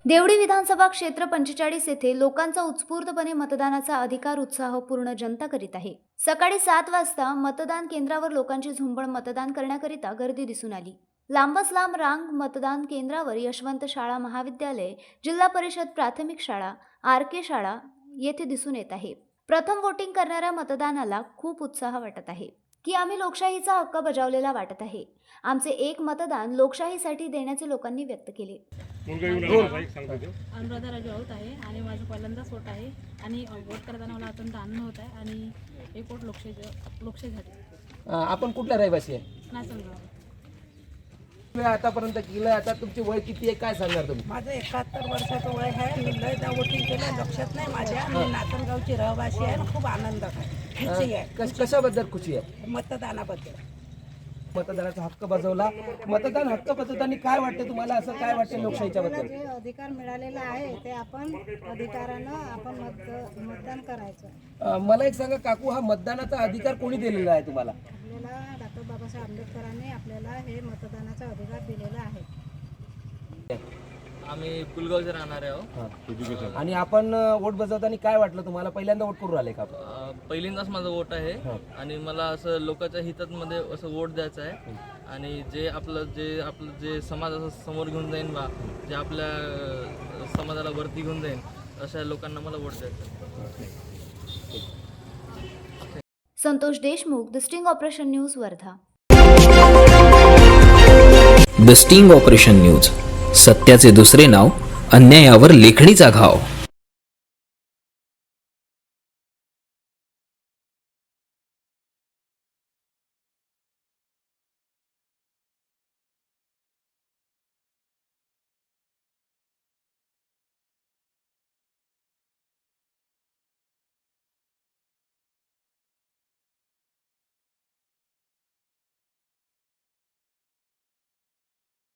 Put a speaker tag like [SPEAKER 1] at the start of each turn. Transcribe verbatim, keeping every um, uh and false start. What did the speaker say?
[SPEAKER 1] देवडी विधानसभा क्षेत्र पंचेचाळीस येथे लोकांचा उत्स्फूर्तपणे मतदानाचा अधिकार उत्साहपूर्ण जनता करीत आहे। सकाळी सात वाजता मतदान केंद्रावर लोकांची झुंबड मतदान करण्याकरिता गर्दी दिसून आली। लांबच लांब रांग मतदान केंद्रावर यशवंत शाळा महाविद्यालय, जिल्हा परिषद प्राथमिक शाळा, आर के शाळा येथे दिसून येत आहे। प्रथम वोटिंग करणाऱ्या मतदानाला खूप उत्साह वाटत आहे की आम्ही लोकशाहीचा हक्क बजावलेला वाटत आहे। आमचे एक मतदान लोकशाहीसाठी देण्याचे लोकांनी व्यक्त केले।
[SPEAKER 2] अनुराधा राजू आऊत आहे आणि माझं पहिल्यांदाच वोट आहे आणि वोट करताना मला अत्यंत आनंद होत आहे आणि एक वोट लोकशाही लोकशाहीसाठी।
[SPEAKER 3] आपण कुठल्या रहिवासी आहे?
[SPEAKER 2] नाचनगाव।
[SPEAKER 3] आतापर्यंत केलं, आता तुमची वय किती आहे काय सांगणार तुम्ही?
[SPEAKER 4] माझं एकाहत्तर वर्षाचं वय आहे। मी लयदा वोटिंग केलं, लक्षात नाही माझ्या। मी नाचनगावची रहिवासी आहे आणि खूप आनंद आहे, खुशी आहे।
[SPEAKER 3] कश कशाबद्दल खुशी आहे?
[SPEAKER 4] मतदानाबद्दल।
[SPEAKER 3] मतदानाचा हक्क बजावला, मतदान हक्क बजावताना काय वाटतं तुम्हाला? असं काय वाटतं लोकशाहीच्या बद्दल?
[SPEAKER 5] जे अधिकार मिळालेला आहे ते आपण अधिकारानं आपण मत मतदान करायचं।
[SPEAKER 3] मला एक सांगा काकू, हा मतदानाचा अधिकार कोणी दिलेला आहे तुम्हाला?
[SPEAKER 5] आपल्याला डॉक्टर बाबासाहेब आंबेडकरांनी आपल्याला हे मतदानाचा अधिकार दिलेला आहे।
[SPEAKER 6] आम्ही पुलगावचे राहणारे आहोत।
[SPEAKER 3] आणि आपण वोट बजावताना काय वाटलं तुम्हाला? पहिल्यांदा वोट करून आले का?
[SPEAKER 6] अ, पहिल्यांदाच माझा वोट आहे आणि मला असं लोकांच्या हितामध्ये असं वोट द्यायचं आहे आणि जे आपलं जे आपलं जे समाज असं समोर घेऊन जाईन बा, जे आपल्या अ, समाजाला वरती घेऊन जाईन अशा लोकांना मला वोट द्यायचं आहे।
[SPEAKER 1] Santosh Deshmukh, the sting operation news, Wardha.
[SPEAKER 7] The sting operation news, सत्याचे दुसरे नाव, अन्यायावर लेखणीचा घाव।